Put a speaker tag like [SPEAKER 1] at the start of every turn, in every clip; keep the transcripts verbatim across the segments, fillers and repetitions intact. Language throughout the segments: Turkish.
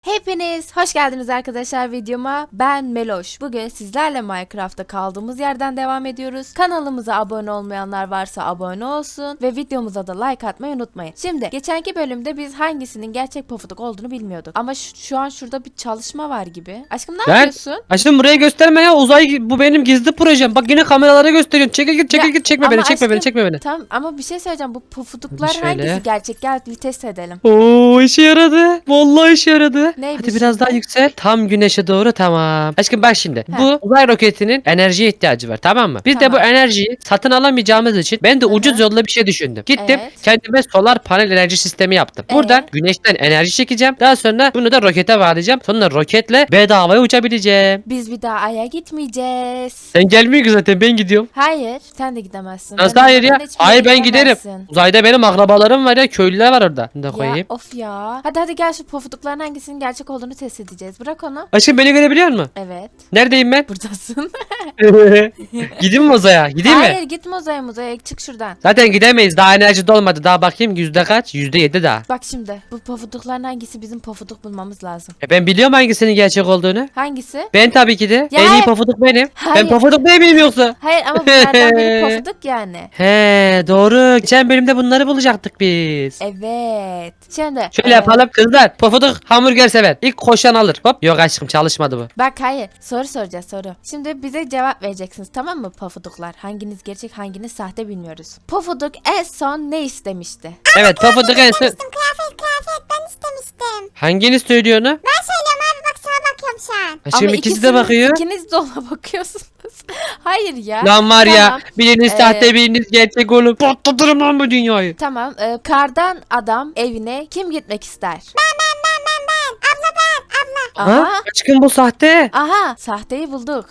[SPEAKER 1] Hepiniz hoş geldiniz arkadaşlar videoma. Ben Meloş. Bugün sizlerle Minecraft'ta kaldığımız yerden devam ediyoruz. Kanalımıza abone olmayanlar varsa abone olsun ve videomuza da like atmayı unutmayın. Şimdi geçenki bölümde biz hangisinin gerçek pofuduk olduğunu bilmiyorduk. Ama şu, şu an şurada bir çalışma var gibi. Aşkım ne
[SPEAKER 2] Ben-
[SPEAKER 1] yapıyorsun?
[SPEAKER 2] Aşkım buraya gösterme ya, uzay bu benim gizli projem. Bak yine kameralara gösteriyorsun. Çekil git çekil
[SPEAKER 1] Ya,
[SPEAKER 2] git, çekme
[SPEAKER 1] ama
[SPEAKER 2] beni, çekme
[SPEAKER 1] aşkım,
[SPEAKER 2] beni, çekme beni.
[SPEAKER 1] Tamam ama bir şey söyleyeceğim. Bu pofuduklar
[SPEAKER 2] Şöyle.
[SPEAKER 1] hangisi gerçek? Gel bir test edelim.
[SPEAKER 2] Oo, işe yaradı. Vallahi işe yaradı.
[SPEAKER 1] Neydi
[SPEAKER 2] Hadi biraz
[SPEAKER 1] şimdi?
[SPEAKER 2] daha yüksel. Tam güneşe doğru, tamam. Aşkım bak şimdi.
[SPEAKER 1] Heh.
[SPEAKER 2] Bu uzay roketinin enerjiye ihtiyacı var, tamam mı? Biz de bu
[SPEAKER 1] Tamam.
[SPEAKER 2] enerjiyi satın alamayacağımız için ben de
[SPEAKER 1] Hı hı.
[SPEAKER 2] ucuz yolla bir şey düşündüm. Gittim
[SPEAKER 1] Evet.
[SPEAKER 2] kendime solar panel enerji sistemi yaptım.
[SPEAKER 1] Ee?
[SPEAKER 2] Buradan güneşten enerji çekeceğim. Daha sonra bunu da rokete bağlayacağım. Sonra roketle bedavaya uçabileceğim.
[SPEAKER 1] Biz bir daha Ay'a gitmeyeceğiz.
[SPEAKER 2] Sen gelmiyorsun zaten, ben gidiyorum.
[SPEAKER 1] Hayır, sen de gidemezsin.
[SPEAKER 2] Nasıl
[SPEAKER 1] Ben
[SPEAKER 2] hayır ya?
[SPEAKER 1] olmadan hiçbir yere
[SPEAKER 2] Hayır, ben giderim.
[SPEAKER 1] gidemezsin.
[SPEAKER 2] Uzayda benim akrabalarım var ya, köylüler var orada. Bunu da
[SPEAKER 1] Ya
[SPEAKER 2] koyayım.
[SPEAKER 1] of ya. Hadi hadi gel şu pofudukların hangisinin gerçek olduğunu test edeceğiz. Bırak onu.
[SPEAKER 2] Aşkım beni görebiliyor musun?
[SPEAKER 1] Evet.
[SPEAKER 2] Neredeyim ben?
[SPEAKER 1] Buradasın.
[SPEAKER 2] Gideyim mi uzaya? Gideyim
[SPEAKER 1] Hayır
[SPEAKER 2] mi?
[SPEAKER 1] gitme uzaya muzaya. Çık şuradan.
[SPEAKER 2] Zaten gidemeyiz. Daha enerji dolmadı. Daha bakayım yüzde kaç? Yüzde yedi daha.
[SPEAKER 1] Bak şimdi. Bu pofudukların hangisi bizim pofuduk bulmamız lazım.
[SPEAKER 2] E ben biliyorum hangisinin gerçek olduğunu.
[SPEAKER 1] Hangisi?
[SPEAKER 2] Ben tabii ki de.
[SPEAKER 1] Ya
[SPEAKER 2] en iyi
[SPEAKER 1] hayır.
[SPEAKER 2] pofuduk benim.
[SPEAKER 1] Hayır.
[SPEAKER 2] Ben pofuduk değil miyim yoksa?
[SPEAKER 1] Hayır ama bunlardan biri pofuduk yani.
[SPEAKER 2] He doğru. Geçen bölümde bunları bulacaktık biz.
[SPEAKER 1] Evet. Şimdi.
[SPEAKER 2] Şöyle
[SPEAKER 1] e,
[SPEAKER 2] yapalım kızlar. Pofuduk hamburger sever. İlk koşan alır. Hop. Yok aşkım, çalışmadı bu.
[SPEAKER 1] Bak hayır. Soru soracağız soru. Şimdi bize cevap vereceksiniz tamam mı pofuduklar? Hanginiz gerçek hanginiz sahte bilmiyoruz. Pofuduk en son ne istemişti?
[SPEAKER 2] Evet pofuduk en son.
[SPEAKER 3] Kıyafet kıyafet ben istemiştim.
[SPEAKER 2] Hanginiz söylüyor onu?
[SPEAKER 3] Ben söylüyorum abi, bak sana bakıyorum şu an.
[SPEAKER 2] Aşkım
[SPEAKER 1] Ama
[SPEAKER 2] ikisi de
[SPEAKER 1] ikisiniz-
[SPEAKER 2] bakıyor.
[SPEAKER 1] İkiniz de ona bakıyorsunuz. Hayır ya.
[SPEAKER 2] Lan var ya,
[SPEAKER 1] Tamam.
[SPEAKER 2] biriniz
[SPEAKER 1] Ee,
[SPEAKER 2] sahte biriniz gerçek oğlum. Patlatırım lan bu dünyayı.
[SPEAKER 1] Tamam. e, kardan adam evine kim gitmek ister?
[SPEAKER 3] Ben ben ben ben ben. Abla ben abla.
[SPEAKER 1] Aha.
[SPEAKER 2] Ha? Aşkım bu sahte.
[SPEAKER 1] Aha. Sahteyi bulduk.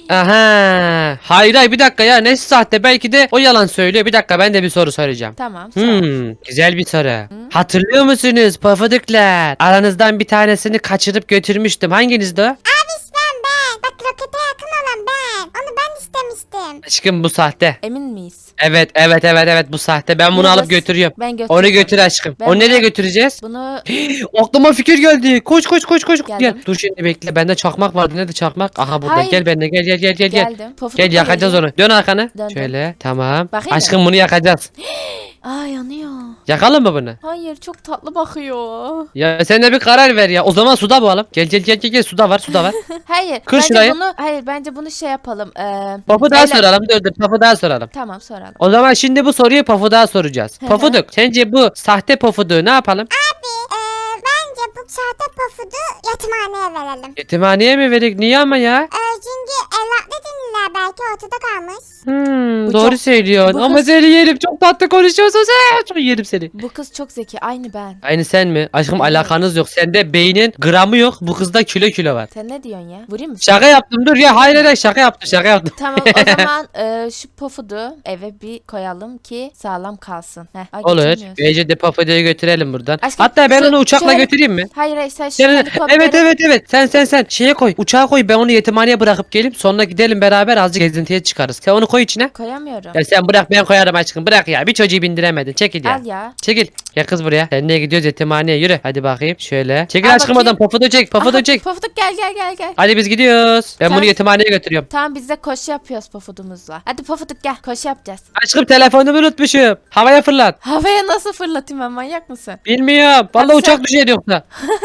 [SPEAKER 2] Aha. Hayır hayır, bir dakika ya, nesi sahte, belki de o yalan söylüyor. Bir dakika, ben de bir soru soracağım.
[SPEAKER 1] Tamam. sor.
[SPEAKER 2] Hmm, güzel bir soru. Hatırlıyor musunuz pofuduklar? Aranızdan bir tanesini kaçırıp götürmüştüm. Hanginizdi o?
[SPEAKER 3] Abi ben ben. Bak rokete yakın olan ben. Onu ben istemiştim.
[SPEAKER 2] Aşkım bu sahte.
[SPEAKER 1] Emin miyiz?
[SPEAKER 2] Evet evet evet evet, bu sahte. Ben bunu
[SPEAKER 1] Bunu
[SPEAKER 2] alıp
[SPEAKER 1] da-
[SPEAKER 2] götürüyorum.
[SPEAKER 1] Ben götüreceğim.
[SPEAKER 2] Onu götür aşkım.
[SPEAKER 1] Ben
[SPEAKER 2] Onu nereye
[SPEAKER 1] bunu-
[SPEAKER 2] götüreceğiz?
[SPEAKER 1] Bunu
[SPEAKER 2] Aklıma fikir geldi. Koş koş koş koş.
[SPEAKER 1] Geldim.
[SPEAKER 2] Gel. Dur şimdi bekle. Bende çakmak vardı. Nerede çakmak? Aha burada.
[SPEAKER 1] Hayır.
[SPEAKER 2] Gel benimle. Gel gel gel gel gel.
[SPEAKER 1] geldim. Pofuduk
[SPEAKER 2] Gel
[SPEAKER 1] da
[SPEAKER 2] yakacağız
[SPEAKER 1] geliyor.
[SPEAKER 2] onu. Dön arkanı.
[SPEAKER 1] Döndüm.
[SPEAKER 2] Şöyle. Tamam.
[SPEAKER 1] Bakayım mı?
[SPEAKER 2] Aşkım bunu yakacağız.
[SPEAKER 1] Aa yanıyor.
[SPEAKER 2] Yakalım mı bunu?
[SPEAKER 1] Hayır çok tatlı bakıyor.
[SPEAKER 2] Ya sen de bir karar ver ya. O zaman suda bulalım. Gel gel gel gel gel. Suda var. Suda var.
[SPEAKER 1] Hayır.
[SPEAKER 2] Kır
[SPEAKER 1] bence
[SPEAKER 2] şurayı.
[SPEAKER 1] bunu hayır bence bunu şey yapalım. Ee,
[SPEAKER 2] Pafu daha
[SPEAKER 1] öyle-
[SPEAKER 2] soralım. Dur dur. Pafu daha soralım.
[SPEAKER 1] Tamam soralım.
[SPEAKER 2] O zaman şimdi bu soruyu Pafu daha soracağız.
[SPEAKER 1] Hı hı.
[SPEAKER 2] Pofuduk. Sence bu sahte Pofuduğu ne yapalım?
[SPEAKER 3] Abi eee bence bu sahte pofudu yetimhaneye verelim.
[SPEAKER 2] Yetimhaneye mi verdik? Niye ama ya?
[SPEAKER 3] Eee çünkü evlatlı dinliler belki ortada kalmış.
[SPEAKER 2] Hmm,
[SPEAKER 1] Bu
[SPEAKER 2] doğru
[SPEAKER 1] çok-
[SPEAKER 2] söylüyorsun.
[SPEAKER 1] bu
[SPEAKER 2] Ama
[SPEAKER 1] kız-
[SPEAKER 2] seni yerim. Çok tatlı konuşuyorsun sen. Çok yerim seni.
[SPEAKER 1] Bu kız çok zeki aynı ben.
[SPEAKER 2] Aynı sen mi? Aşkım
[SPEAKER 1] Evet.
[SPEAKER 2] alakanız yok. Sende beynin gramı yok. Bu kızda kilo kilo var.
[SPEAKER 1] Sen ne diyorsun ya? Vurayım mı?
[SPEAKER 2] Şaka yaptım, dur ya. Hayır hayır, şaka yaptım şaka yaptım.
[SPEAKER 1] Tamam o zaman e, şu pofudu eve bir koyalım ki sağlam kalsın. Heh, ay,
[SPEAKER 2] Olur.
[SPEAKER 1] geçemiyoruz.
[SPEAKER 2] Bence de Papado'yu götürelim buradan.
[SPEAKER 1] Aşkım,
[SPEAKER 2] Hatta ben
[SPEAKER 1] şu-
[SPEAKER 2] onu uçakla
[SPEAKER 1] şöyle-
[SPEAKER 2] götüreyim mi?
[SPEAKER 1] Hayır hayır sen şu
[SPEAKER 2] Sen-
[SPEAKER 1] helikopteri...
[SPEAKER 2] evet evet evet. Sen sen sen şeye koy. Uçağa koy. Ben onu yetimhaneye bırakıp gelip sonra gidelim beraber azıcık gezintiye çıkarız. Sen onu koy içine.
[SPEAKER 1] Koyamıyorum.
[SPEAKER 2] Ya sen bırak, ben koyarım aşkım. Bırak ya. Bir çocuğu bindiremedin. Çekil ya.
[SPEAKER 1] Al ya.
[SPEAKER 2] Çekil. Gel kız buraya. Seninle gidiyoruz yetimhaneye. Yürü. Hadi bakayım. Şöyle. Çekil
[SPEAKER 1] Al
[SPEAKER 2] aşkım
[SPEAKER 1] bakayım.
[SPEAKER 2] oradan. Papado çek. Papado
[SPEAKER 1] Aha,
[SPEAKER 2] çek.
[SPEAKER 1] Pofuduk gel gel gel gel.
[SPEAKER 2] Hadi biz gidiyoruz. Ben
[SPEAKER 1] Sen-
[SPEAKER 2] bunu yetimhaneye götürüyorum.
[SPEAKER 1] Tamam biz de koşu yapıyoruz pofudumuzla. Hadi pofuduk gel koşu yapacağız.
[SPEAKER 2] Aşkım telefonumu unutmuşum. Havaya fırlat.
[SPEAKER 1] Havaya nasıl fırlatayım ben manyak mısın?
[SPEAKER 2] Bilmiyorum. Vallahi
[SPEAKER 1] Hadi
[SPEAKER 2] uçak
[SPEAKER 1] sen-
[SPEAKER 2] düşer yoksa.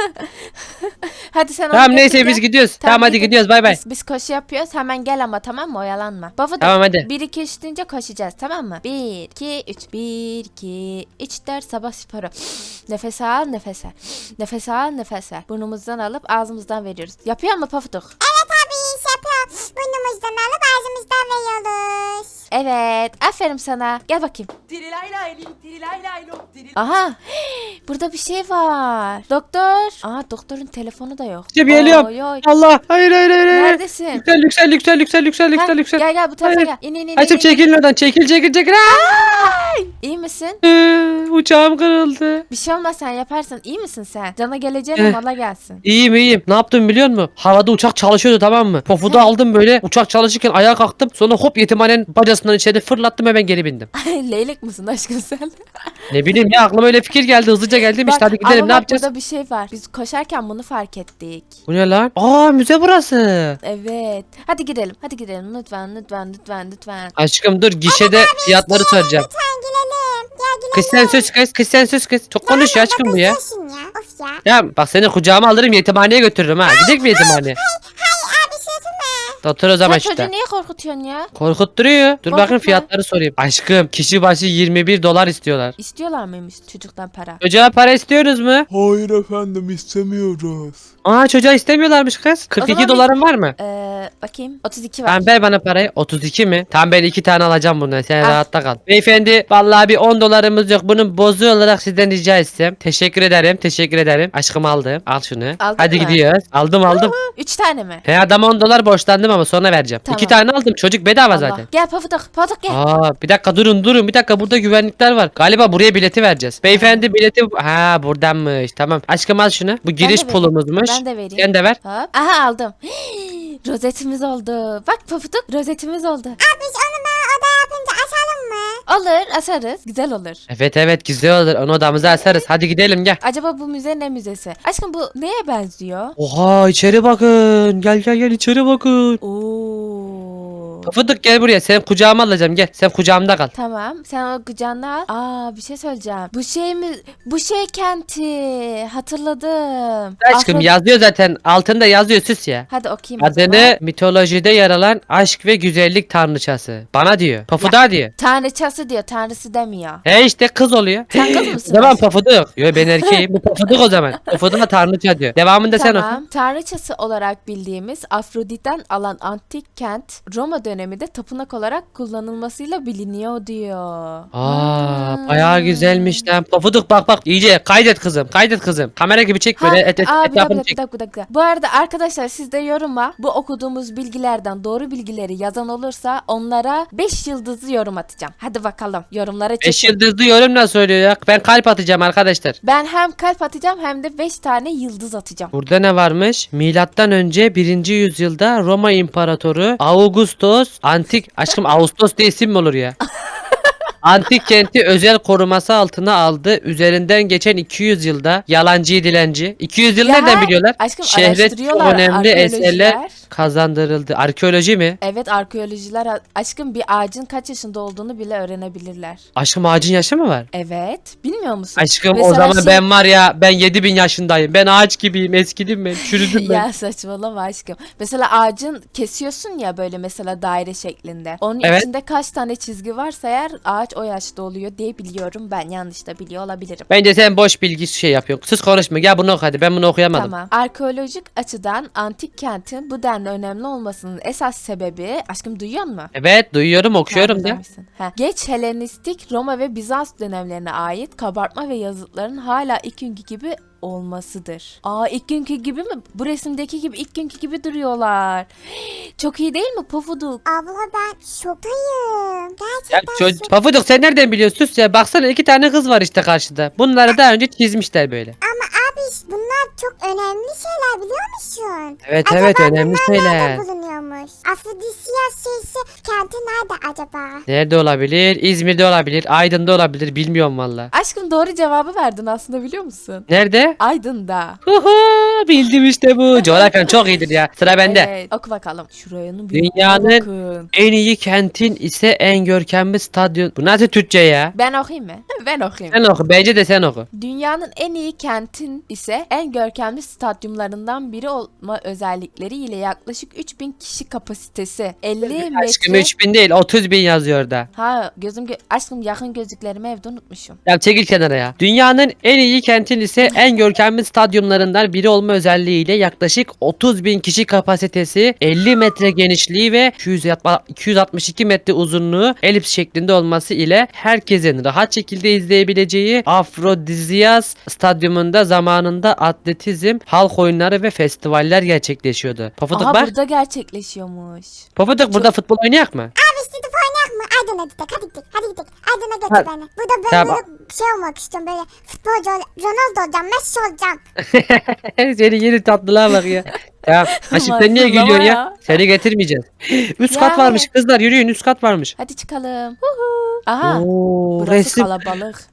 [SPEAKER 1] Hadi sen onu
[SPEAKER 2] Tamam
[SPEAKER 1] götür
[SPEAKER 2] neyse
[SPEAKER 1] gel.
[SPEAKER 2] biz gidiyoruz. Tamam, hadi
[SPEAKER 1] git,
[SPEAKER 2] gidiyoruz. Bay bay.
[SPEAKER 1] Biz, biz koşu yapıyoruz hemen gel ama tamam mı oyalanma. Pofuduk
[SPEAKER 2] Tamam, hadi.
[SPEAKER 1] bir iki üç deyince koşacağız tamam mı? bir iki üç bir iki üç dört sabah sporu. Nefes al nefes al. Nefes al nefes al. Burnumuzdan alıp ağzımızdan veriyoruz. Yapıyor mu Pofuduk?
[SPEAKER 3] Evet abi iş yapıyor. Burnumuzdan alıp ağzımızdan veriyoruz.
[SPEAKER 1] Evet aferin sana. Gel bakayım.
[SPEAKER 4] Tirilaylayli, tirilaylaylo, tiril-
[SPEAKER 1] Aha burada bir şey var. Doktor. Aa doktorun telefonu da yok.
[SPEAKER 2] İşte geliyorum.
[SPEAKER 1] Oy, oy.
[SPEAKER 2] Allah. Hayır hayır hayır. hayır.
[SPEAKER 1] Neredesin?
[SPEAKER 2] Yüksel yüksel yüksel yüksel yüksel
[SPEAKER 1] Ha,
[SPEAKER 2] yüksel yüksel.
[SPEAKER 1] Gel gel bu tarafa
[SPEAKER 2] Hayır.
[SPEAKER 1] gel. İn in in.
[SPEAKER 2] Açıp
[SPEAKER 1] in, in.
[SPEAKER 2] çekilin oradan. Çekil çekil çekil. Aa!
[SPEAKER 1] İyi misin?
[SPEAKER 2] Ee, Uçağım kırıldı.
[SPEAKER 1] Bir şey olmaz sen yaparsın. İyi misin sen? Cana geleceğine
[SPEAKER 2] Eh.
[SPEAKER 1] mala gelsin.
[SPEAKER 2] İyiyim iyiyim. Ne yaptım biliyor musun? Havada uçak çalışıyordu, tamam mı? Pofudu aldım böyle. Uçak çalışırken ayağa kalktım. Sonra hop yetimhanenin bacasından içeri fırlattım, hemen geri bindim.
[SPEAKER 1] Leylik manyak mısın aşkım sen?
[SPEAKER 2] Ne bileyim ya, aklıma öyle fikir geldi, hızlıca geldim işte,
[SPEAKER 1] Bak,
[SPEAKER 2] hadi gidelim,
[SPEAKER 1] ama
[SPEAKER 2] ne
[SPEAKER 1] bak
[SPEAKER 2] yapacağız?
[SPEAKER 1] burada bir şey var. Biz koşarken bunu fark ettik.
[SPEAKER 2] Bu ne lan? Aa, müze burası.
[SPEAKER 1] Evet. Hadi girelim. Hadi girelim. Lütfen lütfen lütfen lütfen.
[SPEAKER 2] Aşkım dur, gişede fiyatları soracağım.
[SPEAKER 3] Lütfen girelim. Ya girelim.
[SPEAKER 2] Kız sen sus kız, kız sen sus kız. Çok konuşuyor aşkım bu ya.
[SPEAKER 3] Bakıyorsun ya. Of ya.
[SPEAKER 2] Ya bak, seni kucağıma alırım, yetimhaneye götürürüm ha. Gidecek mi yetimhaneye?
[SPEAKER 3] Abi sözüme.
[SPEAKER 2] Otur o zaman
[SPEAKER 1] Sen
[SPEAKER 2] işte.
[SPEAKER 1] çocuğu niye korkutuyorsun ya?
[SPEAKER 2] Korkutturuyor. Dur bakayım,
[SPEAKER 1] Korkutma.
[SPEAKER 2] fiyatları sorayım. Aşkım, kişi başı yirmi bir dolar istiyorlar.
[SPEAKER 1] İstiyorlar mıymış çocuktan para?
[SPEAKER 2] Çocuğa para istiyoruz mu?
[SPEAKER 5] Hayır efendim istemiyoruz.
[SPEAKER 2] Aa, çocuğa istemiyorlarmış kız. kırk iki
[SPEAKER 1] zaman biz-
[SPEAKER 2] doların var mı?
[SPEAKER 1] Ee, bakayım. otuz iki var.
[SPEAKER 2] Tamam, ver bana parayı. otuz iki mi? Tamam, ben iki tane alacağım bundan. Sen
[SPEAKER 1] Al.
[SPEAKER 2] rahatta kal. Beyefendi, vallahi bir on dolarımız yok. Bunun bozu olarak sizden rica etsem. Teşekkür ederim. Teşekkür ederim. Aşkım aldım. Al şunu.
[SPEAKER 1] Aldın
[SPEAKER 2] Hadi
[SPEAKER 1] mı?
[SPEAKER 2] gidiyoruz. Aldım aldım.
[SPEAKER 1] Üç tane mi?
[SPEAKER 2] He, adama on dolar borçlandım ama sonra vereceğim.
[SPEAKER 1] Tamam.
[SPEAKER 2] İki tane aldım. Çocuk bedava
[SPEAKER 1] Allah.
[SPEAKER 2] zaten.
[SPEAKER 1] Gel Pafuduk. Pafuduk gel.
[SPEAKER 2] Aa, bir dakika durun durun. Bir dakika, burada güvenlikler var. Galiba buraya bileti vereceğiz. Beyefendi, bileti... Ha, buradanmış. Tamam. Aşkım al şunu. Bu giriş
[SPEAKER 1] vereyim.
[SPEAKER 2] pulumuzmuş.
[SPEAKER 1] Ben de vereyim.
[SPEAKER 2] Sen de ver.
[SPEAKER 1] Hop. Aha aldım. Rozetimiz oldu. Bak Pafuduk, rozetimiz oldu.
[SPEAKER 3] Abi biz onu ben oda yapınca açalım mı?
[SPEAKER 1] Olur, asarız. Güzel olur.
[SPEAKER 2] Evet evet, güzel olur. Onu odamıza asarız. Hadi gidelim gel.
[SPEAKER 1] Acaba bu müze ne müzesi? Aşkım bu neye benziyor?
[SPEAKER 2] Oha, içeri bakın. Gel gel gel, içeri bakın.
[SPEAKER 1] Oo.
[SPEAKER 2] Pafuduk gel buraya. Sen kucağıma alacağım, gel. Sen kucağımda kal.
[SPEAKER 1] Tamam. Sen o kucağına al. Aa, bir şey söyleyeceğim. Bu şey mi? Bu şey kenti. Hatırladım.
[SPEAKER 2] Aşkım
[SPEAKER 1] Afro-
[SPEAKER 2] yazıyor zaten. Altında yazıyor, süs ya.
[SPEAKER 1] Hadi okuyayım o zaman.
[SPEAKER 2] Adını mitolojide yer alan aşk ve güzellik tanrıçası. Bana diyor. Pafuda diyor.
[SPEAKER 1] Tanrıçası diyor. Tanrısı demiyor.
[SPEAKER 2] He işte, kız oluyor.
[SPEAKER 1] Sen kız mısın?
[SPEAKER 2] O zaman Pafuduk. Yo, ben erkeğim. Bu Pafuduk o zaman. Pafuduk'a tanrıça diyor. Devamında sen oku.
[SPEAKER 1] Tamam. Tanrıçası olarak bildiğimiz Afrodit'ten alan antik kent Roma döneminde tapınak olarak kullanılmasıyla biliniyor diyor.
[SPEAKER 2] Aa,
[SPEAKER 1] Hmm.
[SPEAKER 2] bayağı güzelmiş lan. Pafuduk bak bak, iyice kaydet kızım. Kaydet kızım. Kamera gibi çek böyle.
[SPEAKER 1] Ha,
[SPEAKER 2] Et, et,
[SPEAKER 1] aa, bir dakika,
[SPEAKER 2] etrafını
[SPEAKER 1] bir
[SPEAKER 2] çek.
[SPEAKER 1] dakika, bir dakika. Bu arada arkadaşlar, siz de yoruma bu okuduğumuz bilgilerden doğru bilgileri yazan olursa onlara beş yıldızlı yorum atacağım. Hadi bakalım, yorumlara
[SPEAKER 2] Beş
[SPEAKER 1] çekin.
[SPEAKER 2] yıldızlı yorum nasıl söylüyor ya? Ben kalp atacağım arkadaşlar.
[SPEAKER 1] Ben hem kalp atacağım hem de beş tane yıldız atacağım.
[SPEAKER 2] Burada ne varmış? Milattan önce birinci yüzyılda Roma İmparatoru Augustus antik aşkım, Ağustos diye isim mi olur ya? Antik kenti özel koruması altına aldı. Üzerinden geçen iki yüz yılda yalancı dilenci. iki yüz yıl
[SPEAKER 1] Ya,
[SPEAKER 2] nereden biliyorlar?
[SPEAKER 1] aşkım,
[SPEAKER 2] Şehre çok
[SPEAKER 1] araştırıyorlar
[SPEAKER 2] önemli
[SPEAKER 1] arkeolojiler.
[SPEAKER 2] eserler kazandırıldı. Arkeoloji mi?
[SPEAKER 1] Evet, arkeolojiler aşkım bir ağacın kaç yaşında olduğunu bile öğrenebilirler.
[SPEAKER 2] Aşkım, ağacın yaşı mı var?
[SPEAKER 1] Evet, bilmiyor musun?
[SPEAKER 2] Aşkım, o
[SPEAKER 1] Mesela
[SPEAKER 2] zaman
[SPEAKER 1] şey-
[SPEAKER 2] ben var ya, ben yedi bin yaşındayım. Ben ağaç gibiyim. Eskidim ben. Çürüdüm ben.
[SPEAKER 1] Ya saçmalama aşkım. Mesela ağacın kesiyorsun ya böyle, mesela daire şeklinde. Onun
[SPEAKER 2] Evet.
[SPEAKER 1] içinde kaç tane çizgi varsa eğer ağaç o yaşta oluyor diye biliyorum. Ben yanlış da biliyor olabilirim.
[SPEAKER 2] Bence sen boş bilgi şey yapıyorsun. Sus konuşma. Gel bunu oku hadi. Ben bunu okuyamadım.
[SPEAKER 1] Tamam. Arkeolojik açıdan antik kentin bu denli önemli olmasının esas sebebi, aşkım duyuyor musun?
[SPEAKER 2] Evet, duyuyorum, okuyorum da.
[SPEAKER 1] Güzelmişsin. Ha. Geç Helenistik Roma ve Bizans dönemlerine ait kabartma ve yazıtların hala ilk günkü gibi olmasıdır. Aa, ilk günkü gibi mi? Bu resimdeki gibi ilk günkü gibi duruyorlar. Çok iyi değil mi Pofuduk?
[SPEAKER 3] Abla ben şoktayım.
[SPEAKER 2] Ya
[SPEAKER 3] Gerçekten
[SPEAKER 2] çocuk,
[SPEAKER 3] şok.
[SPEAKER 2] Pafuduk sen nereden biliyorsun? Sus ya. Baksana, iki tane kız var işte karşıda. Bunları daha önce çizmişler böyle.
[SPEAKER 3] Ama abi bunlar çok önemli şeyler biliyor musun?
[SPEAKER 2] Evet
[SPEAKER 3] Acaba
[SPEAKER 2] evet, önemli
[SPEAKER 3] bunlar
[SPEAKER 2] şeyler.
[SPEAKER 3] nerede bulunuyormuş? Afrodisiyas şeysi kenti nerede acaba?
[SPEAKER 2] Nerede olabilir? İzmir'de olabilir. Aydın'da olabilir. Bilmiyorum valla.
[SPEAKER 1] Aşkım doğru cevabı verdin aslında, biliyor musun?
[SPEAKER 2] Nerede?
[SPEAKER 1] Aydın'da.
[SPEAKER 2] Huhu, bildim işte bu. Coğrafyan çok iyidir ya. Sıra bende.
[SPEAKER 1] Evet. Oku bakalım. Şuranın büyüklüğüne
[SPEAKER 2] Dünyanın
[SPEAKER 1] bakın.
[SPEAKER 2] en iyi kentin ise en görkemli stadyum. Bu nasıl Türkçe ya?
[SPEAKER 1] Ben okuyayım mı? Ben okuyayım.
[SPEAKER 2] Sen oku. Bence de sen oku.
[SPEAKER 1] Dünyanın en iyi kentin ise en görkemli stadyumlarından biri olma özellikleriyle yaklaşık üç bin kişi kapasitesi. elli
[SPEAKER 2] Aşkım,
[SPEAKER 1] metre.
[SPEAKER 2] üç bin değil, otuz bin yazıyor da.
[SPEAKER 1] Ha, gözüm gö- aşkım yakın gözlüklerimi evde unutmuşum.
[SPEAKER 2] Ya çekil kenara ya. Dünyanın en iyi kentin ise en görkemli stadyumlarından biri olma özelliğiyle yaklaşık otuz bin kişi kapasitesi, elli metre genişliği ve iki yüz altmış iki metre uzunluğu elips şeklinde olması ile herkesin rahat şekilde izleyebileceği Afrodiziyas stadyumunda zamanında atletizm, halk oyunları ve festivaller gerçekleşiyordu. Pofuduk
[SPEAKER 1] Aha,
[SPEAKER 2] bak.
[SPEAKER 1] burada gerçekleşiyormuş.
[SPEAKER 2] Pofuduk, burada futbol oynayak mı?
[SPEAKER 3] Abi işte gidip oynayak mı? Aydın'a gidelim. Hadi gidelim. Hadi gidelim. Aydın'a götür
[SPEAKER 2] Ha.
[SPEAKER 3] beni. Burada böyle,
[SPEAKER 2] Tamam.
[SPEAKER 3] böyle şey olmak istiyorum. Böyle futbolcu ol- Ronaldo olacağım. Messi olacağım.
[SPEAKER 2] Seni yeni tatlılığa bak ya. Tamam. Aşkım sen niye
[SPEAKER 1] Maşallah
[SPEAKER 2] gülüyorsun ya?
[SPEAKER 1] ya.
[SPEAKER 2] Seni getirmeyeceğiz. Üst kat
[SPEAKER 1] Yani.
[SPEAKER 2] varmış kızlar, yürüyün, üst kat varmış.
[SPEAKER 1] Hadi çıkalım. Huhu. Aha.
[SPEAKER 2] Oo,
[SPEAKER 1] Burası
[SPEAKER 2] resim.
[SPEAKER 1] kalabalık.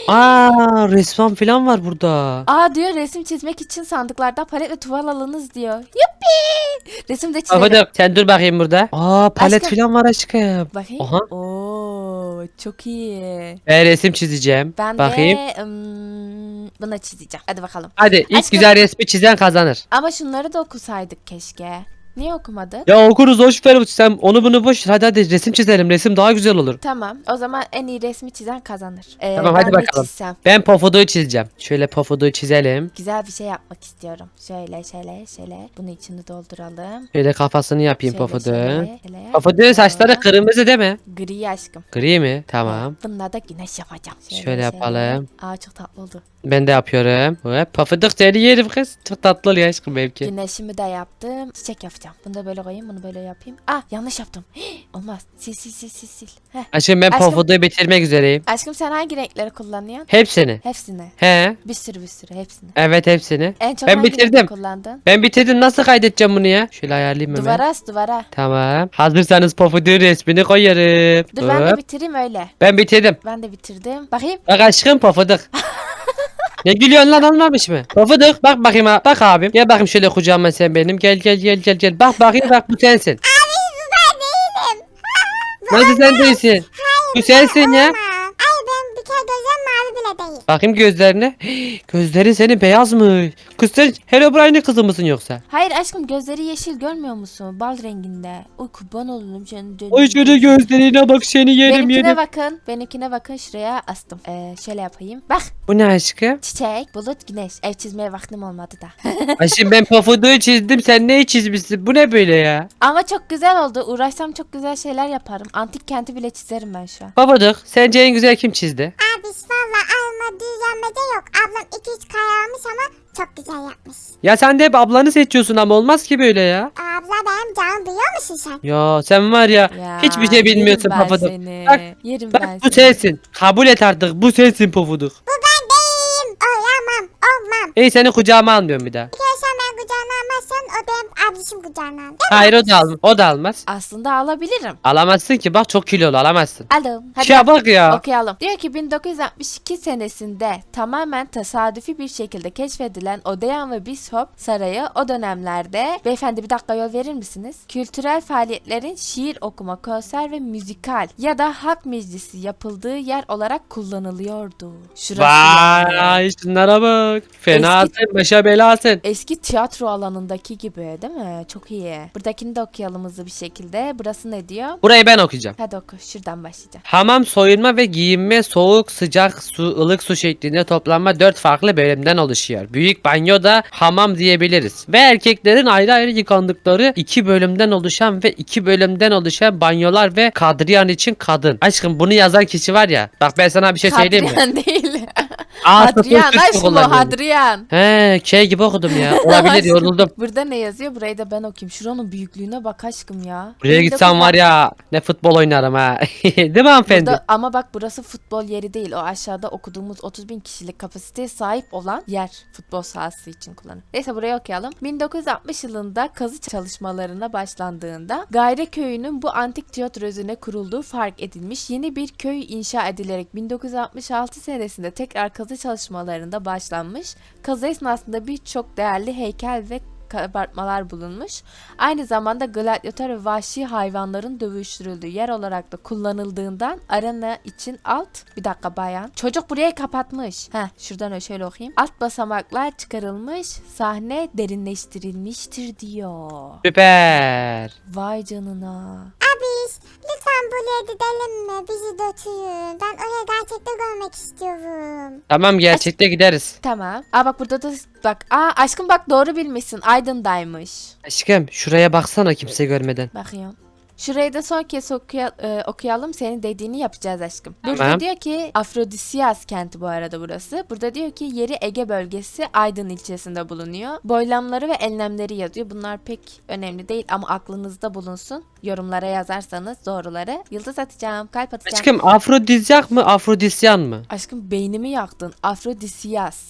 [SPEAKER 2] Aa, resmen falan var burada.
[SPEAKER 1] Aa diyor resim çizmek için sandıklardan palet ve tuval alınız diyor. Yuppi! Resim de çizelim.
[SPEAKER 2] Afadım sen dur bakayım burada. Aa, palet
[SPEAKER 1] Aşkım.
[SPEAKER 2] falan var aşkım.
[SPEAKER 1] Bakayım.
[SPEAKER 2] Aha.
[SPEAKER 1] Oo çok iyi.
[SPEAKER 2] Ben resim çizeceğim.
[SPEAKER 1] Ben
[SPEAKER 2] bakayım.
[SPEAKER 1] de ım, bunu çizeceğim. Hadi bakalım.
[SPEAKER 2] Hadi ilk
[SPEAKER 1] Aşkım.
[SPEAKER 2] güzel resmi çizen kazanır.
[SPEAKER 1] Ama şunları da okusaydık keşke. Niye okumadın?
[SPEAKER 2] Ya okuruz hoş ver sen onu bunu boş ver. Hadi hadi resim çizelim. Resim daha güzel olur.
[SPEAKER 1] Tamam. O zaman en iyi resmi çizen kazanır. Ee,
[SPEAKER 2] Tamam,
[SPEAKER 1] ben
[SPEAKER 2] hadi
[SPEAKER 1] ne
[SPEAKER 2] bakalım.
[SPEAKER 1] çizsem?
[SPEAKER 2] Ben pofuduğu çizeceğim. Şöyle pofuduğu çizelim.
[SPEAKER 1] Güzel bir şey yapmak istiyorum. Şöyle şöyle şöyle. Bunu içini dolduralım.
[SPEAKER 2] Şöyle kafasını yapayım
[SPEAKER 1] Şöyle,
[SPEAKER 2] pofuduğu.
[SPEAKER 1] şöyle, şöyle.
[SPEAKER 2] Pofuduğun saçları kırmızı değil mi?
[SPEAKER 1] Gri aşkım.
[SPEAKER 2] Gri mi? Tamam.
[SPEAKER 1] Bununla da güneş yapacağım.
[SPEAKER 2] Şöyle yapalım.
[SPEAKER 1] Aa çok tatlı oldu.
[SPEAKER 2] Ben de yapıyorum. Hop, pofuduk seni yerim kız. Çok tatlı oluyor aşkım belki.
[SPEAKER 1] Güneşimi de yaptım. Çiçek yapacağım. Bunu da böyle koyayım. Bunu böyle yapayım. Ah yanlış yaptım. Hii, olmaz. Sil sil sil sil sil. Heh.
[SPEAKER 2] Aşkım ben
[SPEAKER 1] Aşkım.
[SPEAKER 2] pofuduğu bitirmek üzereyim.
[SPEAKER 1] Aşkım sen hangi renkleri kullanıyorsun?
[SPEAKER 2] Hepsini.
[SPEAKER 1] Hepsini.
[SPEAKER 2] He.
[SPEAKER 1] Bir sürü bir sürü hepsini.
[SPEAKER 2] Evet hepsini.
[SPEAKER 1] En çok
[SPEAKER 2] Ben
[SPEAKER 1] hangi
[SPEAKER 2] bitirdim.
[SPEAKER 1] rengi kullandın?
[SPEAKER 2] Ben bitirdim. Nasıl kaydedeceğim bunu ya? Şöyle ayarlayayım hemen.
[SPEAKER 1] Duvara as duvara.
[SPEAKER 2] Tamam. Hazırsanız pofuduğun resmini koyarım.
[SPEAKER 1] Dur ben de
[SPEAKER 2] Hop.
[SPEAKER 1] bitireyim öyle.
[SPEAKER 2] Ben bitirdim.
[SPEAKER 1] Ben de bitirdim. Bakayım.
[SPEAKER 2] Bak aşkım pofuduk. Ne gülüyorsun lan, olmamış mı? Pofuduk bak bakayım ha. Bak abim. Gel bakayım şöyle kucağıma sen benim. Gel gel gel gel gel. Bak bakayım bak bu sensin.
[SPEAKER 3] Abi bu ben değilim.
[SPEAKER 2] Nasıl sen değilsin? Bu sensin ya.
[SPEAKER 3] Ama. Ay ben bir kere gözüm mavi bile değil.
[SPEAKER 2] Bakayım gözlerine. Gözlerin senin beyazmış. Kız sen Herobrine'in kızı mısın yoksa?
[SPEAKER 1] Hayır aşkım gözleri yeşil görmüyor musun? Bal renginde. Uy kurban olurum canım.
[SPEAKER 2] Oy şöyle gözlerine bak, seni yerim
[SPEAKER 1] Benimkine
[SPEAKER 2] yerim.
[SPEAKER 1] bakın. Benimkine bakın şuraya astım. Ee, şöyle yapayım. Bak
[SPEAKER 2] Bu ne aşkım?
[SPEAKER 1] çiçek, bulut, güneş. Ev çizmeye vaktim olmadı da.
[SPEAKER 2] Aşkım ben pofuduğu çizdim, sen neyi çizmişsin? Bu ne böyle ya?
[SPEAKER 1] Ama çok güzel oldu. Uğraşsam çok güzel şeyler yaparım. Antik kenti bile çizerim ben şu an.
[SPEAKER 2] Pofuduk sence en güzel kim çizdi?
[SPEAKER 3] Abi valla alma düzenmede yok. Ablam iki üç kare almış ama çok güzel yapmış.
[SPEAKER 2] Ya sen de hep ablanı seçiyorsun ama olmaz ki böyle ya.
[SPEAKER 3] Abla benim canım biliyor musun sen?
[SPEAKER 2] Ya sen var ya,
[SPEAKER 1] Ya,
[SPEAKER 2] hiçbir şey bilmiyorsun
[SPEAKER 1] yerim ben
[SPEAKER 2] Pofuduk.
[SPEAKER 1] seni.
[SPEAKER 2] Bak,
[SPEAKER 1] Yerim
[SPEAKER 2] Bak
[SPEAKER 1] ben
[SPEAKER 2] bu
[SPEAKER 1] seni.
[SPEAKER 2] sensin. Kabul et artık, bu sensin Pofuduk.
[SPEAKER 3] Bu ben değilim. Olamam. Olmam.
[SPEAKER 2] İyi, seni kucağıma almıyorum bir daha.
[SPEAKER 3] Bir kere sen ben kucağına almazsan o benim abişim kucağına al.
[SPEAKER 2] Hayır o da, al o da almaz.
[SPEAKER 1] Aslında alabilirim.
[SPEAKER 2] Alamazsın ki, bak çok kilolu, alamazsın.
[SPEAKER 1] Alım. Hadi
[SPEAKER 2] Şuna bak ya.
[SPEAKER 1] okuyalım. Diyor ki bin dokuz yüz altmış iki senesinde tamamen tesadüfi bir şekilde keşfedilen Odeon ve Bishop Sarayı o dönemlerde, beyefendi bir dakika yol verir misiniz? Kültürel faaliyetlerin şiir okuma, konser ve müzikal ya da halk meclisi yapıldığı yer olarak kullanılıyordu. Şurası yani.
[SPEAKER 2] Vay şunlara bak. Fenasın, başa belasın.
[SPEAKER 1] Eski tiyatro alanındaki gibi değil mi? Çok iyi. Buradakini de okuyalım hızlı bir şekilde. Burası ne diyor?
[SPEAKER 2] Burayı ben okuyacağım.
[SPEAKER 1] Hadi oku. Şuradan başlayacağım.
[SPEAKER 2] Hamam, soyunma ve giyinme, soğuk, sıcak su, ılık su şeklinde toplanma dört farklı bölümden oluşuyor. Büyük banyo da hamam diyebiliriz. Ve erkeklerin ayrı ayrı yıkandıkları iki bölümden oluşan ve iki bölümden oluşan banyolar ve kadriyan için kadın. Aşkım bunu yazan kişi var ya. Bak ben sana bir şey söyleyeyim mi?
[SPEAKER 1] Hadrian değil.
[SPEAKER 2] Aa,
[SPEAKER 1] Hadrian
[SPEAKER 2] sıfır sıfır
[SPEAKER 1] aşkım o
[SPEAKER 2] kullanıyorum.
[SPEAKER 1] Hadrian.
[SPEAKER 2] He, şey gibi okudum ya. Olabilir,
[SPEAKER 1] Aşkım,
[SPEAKER 2] yoruldum.
[SPEAKER 1] Burada ne yazıyor? Burayı da ben okuyayım. Şuranın büyüklüğüne bak aşkım ya.
[SPEAKER 2] Buraya gitsem var ya, ne futbol oynarım ha. Değil mi hanımefendi?
[SPEAKER 1] Burada, ama bak burası futbol yeri değil. O aşağıda okuduğumuz otuz bin kişilik kapasiteye sahip olan yer futbol sahası için kullanılır. Neyse burayı okuyalım. bin dokuz yüz altmış yılında kazı çalışmalarına başlandığında Gayre köyünün bu antik tiyatro özüne kurulduğu fark edilmiş. Yeni bir köy inşa edilerek bin dokuz yüz altmış altı senesinde tekrar kazı çalışmalarında başlanmış. Kazı esnasında birçok değerli heykel ve kabartmalar bulunmuş. Aynı zamanda gladyatör ve vahşi hayvanların dövüştürüldüğü yer olarak da kullanıldığından arena için alt bir dakika bayan. Çocuk burayı kapatmış. Heh şuradan öyle şöyle okuyayım. Alt basamaklar çıkarılmış. Sahne derinleştirilmiştir diyor.
[SPEAKER 2] Süper.
[SPEAKER 1] Vay canına.
[SPEAKER 3] Abiş lütfen buraya gidelim mi? Bizi götürün. Ben oraya gerçekten görmek istiyorum.
[SPEAKER 2] Tamam, gerçekte gideriz.
[SPEAKER 1] Tamam. Aa bak burada da bak. Aa aşkım bak doğru bilmişsin. Aydın'daymış.
[SPEAKER 2] Aşkım şuraya baksana kimse görmeden.
[SPEAKER 1] Bakıyorum. Şurayı da son kez okuya- e, okuyalım. Senin dediğini yapacağız aşkım. Burada
[SPEAKER 2] Tamam.
[SPEAKER 1] diyor ki Afrodisiyas kenti bu arada burası. Burada diyor ki yeri Ege bölgesi Aydın ilçesinde bulunuyor. Boylamları ve enlemleri yazıyor. Bunlar pek önemli değil ama aklınızda bulunsun. Yorumlara yazarsanız doğruları. Yıldız atacağım, kalp atacağım.
[SPEAKER 2] Aşkım afrodizyak mı afrodisyan mı?
[SPEAKER 1] Aşkım beynimi yaktın. Afrodisiyas.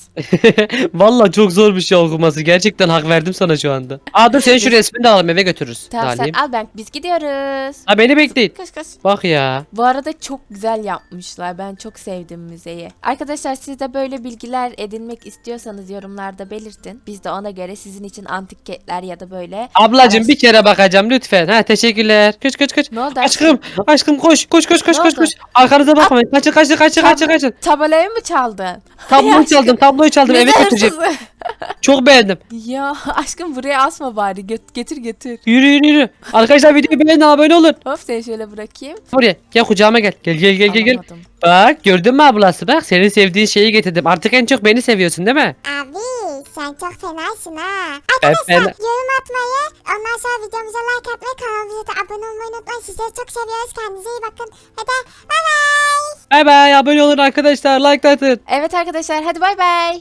[SPEAKER 2] Valla çok zor bir şey okuması. Gerçekten hak verdim sana şu anda. Aa dur, senin şu resmini de alalım, eve götürürüz.
[SPEAKER 1] Tamam
[SPEAKER 2] Alayım.
[SPEAKER 1] sen al ben biz gidiyoruz. Gidiyoruz.
[SPEAKER 2] Ha beni bekleyin.
[SPEAKER 1] Koş koş.
[SPEAKER 2] Bak ya.
[SPEAKER 1] Bu arada çok güzel yapmışlar. Ben çok sevdim müzeyi. Arkadaşlar siz de böyle bilgiler edinmek istiyorsanız yorumlarda belirtin. Biz de ona göre sizin için antik ketler ya da böyle.
[SPEAKER 2] Ablacım
[SPEAKER 1] Araş-
[SPEAKER 2] bir kere bakacağım lütfen. Ha teşekkürler. Koş koş koş.
[SPEAKER 1] Ne oldu
[SPEAKER 2] Aşkım, aşkım koş koş koş koş
[SPEAKER 1] Ne
[SPEAKER 2] koş
[SPEAKER 1] oldu?
[SPEAKER 2] koş. Arkanıza bakmayın. Kaçın kaçın kaçın kaçın kaçın.
[SPEAKER 1] Tabelayı mı çaldın?
[SPEAKER 2] Tabloyu
[SPEAKER 1] aşkım.
[SPEAKER 2] çaldım, tabloyu çaldım. Eve
[SPEAKER 1] Müze
[SPEAKER 2] götüreceğim.
[SPEAKER 1] hırsızı.
[SPEAKER 2] Çok beğendim.
[SPEAKER 1] Ya aşkım buraya asma bari. Göt- getir getir.
[SPEAKER 2] Yürü yürü yürü. Arkadaşlar videoyu beğenin, abone olun.
[SPEAKER 1] Hop seni şöyle bırakayım.
[SPEAKER 2] Buraya gel, kucağıma gel. Gel gel gel gel gel.
[SPEAKER 1] Alamadım.
[SPEAKER 2] Bak gördün mü ablası, bak senin sevdiğin şeyi getirdim. Artık en çok beni seviyorsun değil mi?
[SPEAKER 3] Abi sen çok fenasın ha.
[SPEAKER 2] Ben
[SPEAKER 3] Arkadaşlar
[SPEAKER 2] fena-
[SPEAKER 3] yorum atmayı, ondan sonra videomuza like atmayı, kanalımıza da abone olmayı unutmayın. Sizleri çok seviyoruz. Kendinize iyi bakın. Hadi bay bay.
[SPEAKER 2] Bay bay, abone olun arkadaşlar, like atın.
[SPEAKER 1] Evet arkadaşlar hadi bay bay.